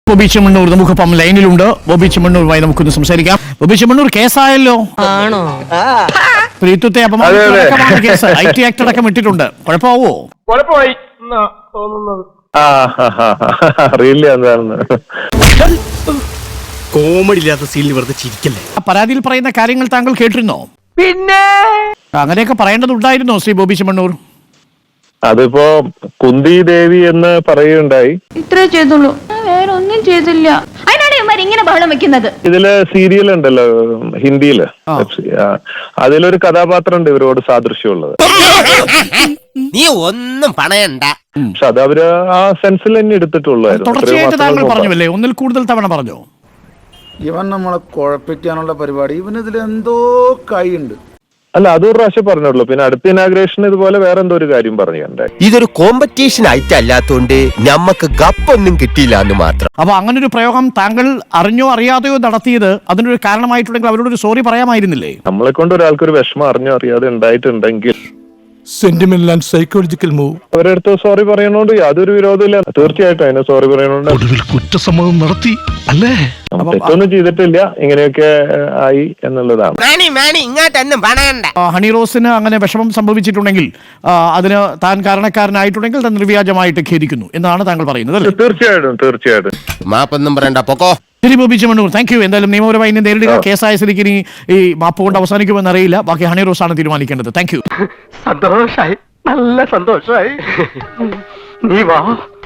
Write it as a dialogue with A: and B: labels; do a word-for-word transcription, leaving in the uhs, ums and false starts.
A: ബോബി ചെമ്മണ്ണൂർ നമുക്കിപ്പം ലൈനിലുണ്ട്. ബോബി ചെമ്മണ്ണൂരുമായി നമുക്കൊന്ന് സംസാരിക്കാം. ബോബി ചെമ്മണ്ണൂർ കേസായല്ലോ.
B: ആണോ?
A: സ്ത്രീത്വത്തെ അപമാനിച്ചടക്കമാണ് കേസ്. ഐ ടി ആക്ട് അടക്കം ഇട്ടിട്ടുണ്ട്. കുഴപ്പമാവോ?
C: കുഴപ്പമായി തോന്നുന്നത്
D: അറിയില്ല എന്താണെന്ന്.
E: കോമഡി ഇല്ലാത്ത സീനിൽ വെറുതെ ചിരിക്കല്ലേ.
A: പരാതിയിൽ പറയുന്ന കാര്യങ്ങൾ താങ്കൾ കേട്ടിരുന്നോ?
C: പിന്നെ
A: അങ്ങനെയൊക്കെ പറയേണ്ടതുണ്ടായിരുന്നോ ശ്രീ ബോബി ചെമ്മണ്ണൂർ?
D: അതിപ്പോ കുന്തി ദേവി എന്ന് പറയുകയുണ്ടായി.
F: ഇത്രേ ചെയ്തുള്ളൂ, വേറെ ഒന്നും ചെയ്തില്ല. അതിനാണ് ഇവന്മാർ ഇങ്ങനെ ബഹളം വെക്കുന്നത്.
D: ഇതില് സീരിയൽ ഉണ്ടല്ലോ ഹിന്ദിയില്, അതിലൊരു കഥാപാത്രം ഉണ്ട് ഇവരോട് സാദൃശ്യമുള്ളത്.
B: നീ ഒന്നും പണയണ്ട.
D: പക്ഷെ അത് അവര് ആ സെൻസിൽ തന്നെ എടുത്തിട്ടുള്ളായിരുന്നു.
A: തുടർച്ചയായിട്ട് താങ്കൾ പറഞ്ഞുവല്ലേ, ഒന്നിൽ കൂടുതൽ തവണ പറഞ്ഞോ?
G: ഇവൻ നമ്മളെ കുഴപ്പിക്കാനുള്ള പരിപാടി, ഇവനിതിൽ എന്തോ കൈയുണ്ട്.
D: അല്ല, അതൊരു പ്രാവശ്യം പറഞ്ഞുള്ളൂ. പിന്നെ അടുത്ത ഇനാഗ്രേഷൻ ഇതുപോലെ വേറെ എന്തോ ഒരു കാര്യം പറഞ്ഞു.
E: ഇതൊരു കോമ്പറ്റീഷൻ ആയിട്ടല്ലാത്തോണ്ട് ഞമ്മക്ക് ഗപ്പൊന്നും കിട്ടിയില്ല എന്ന് മാത്രം.
A: അപ്പൊ അങ്ങനെ ഒരു പ്രയോഗം താങ്കൾ അറിഞ്ഞോ അറിയാതെയോ നടത്തിയത് അതിനൊരു കാരണമായിട്ടുണ്ടെങ്കിൽ അവരോടൊരു സോറി പറയാമായിരുന്നില്ലേ?
D: നമ്മളെ കൊണ്ട് ഒരാൾക്കൊരു വിഷമം അറിഞ്ഞോ അറിയാതെ ഉണ്ടായിട്ടുണ്ടെങ്കിൽ
H: സെന്റിമെന്റൽ ആൻഡ് സൈക്കോളജിക്കൽ മൂവ്.
D: അവരടുത്ത് സോറി പറയണോണ്ട് യാതൊരു വിരോധമില്ല. തീർച്ചയായിട്ടും അതിനെ സോറി പറയണോണ്ട്.
H: ഒടുവിൽ കുറ്റസമ്മതം നടത്തി അല്ലേ?
D: തെറ്റൊന്നും ചെയ്തിട്ടില്ല, ഇങ്ങനെയൊക്കെ ആയി എന്നുള്ളതാണ്.
B: ഇങ്ങോട്ടൊന്നും പണയണ്ട.
A: ഹണി റോസിന് അങ്ങനെ വിഷമം സംഭവിച്ചിട്ടുണ്ടെങ്കിൽ അതിന് താൻ കാരണക്കാരനായിട്ടുണ്ടെങ്കിൽ താൻ നിർവ്യാജമായിട്ട് ഖേദിക്കുന്നു എന്നാണ് താങ്കൾ പറയുന്നത് അല്ലേ?
D: തീർച്ചയായിട്ടും തീർച്ചയായിട്ടും
B: മാപ്പൊന്നും പറയണ്ട, പൊക്കോ.
A: ശരി ബോബി ചെമ്മണ്ണൂർ, താങ്ക് യു. എന്തായാലും നിയമപരമായി ഇനി നേരിടുക. കേസായ സ്ഥിതിക്ക് ഇനി ഈ മാപ്പ് കൊണ്ട് അവസാനിക്കുമെന്ന് അറിയില്ല. ബാക്കി ഹണി റോസ് ആണ് തീരുമാനിക്കേണ്ടത്. Thank you.
C: സന്തോഷായി, നല്ല സന്തോഷായി. നീ വാ.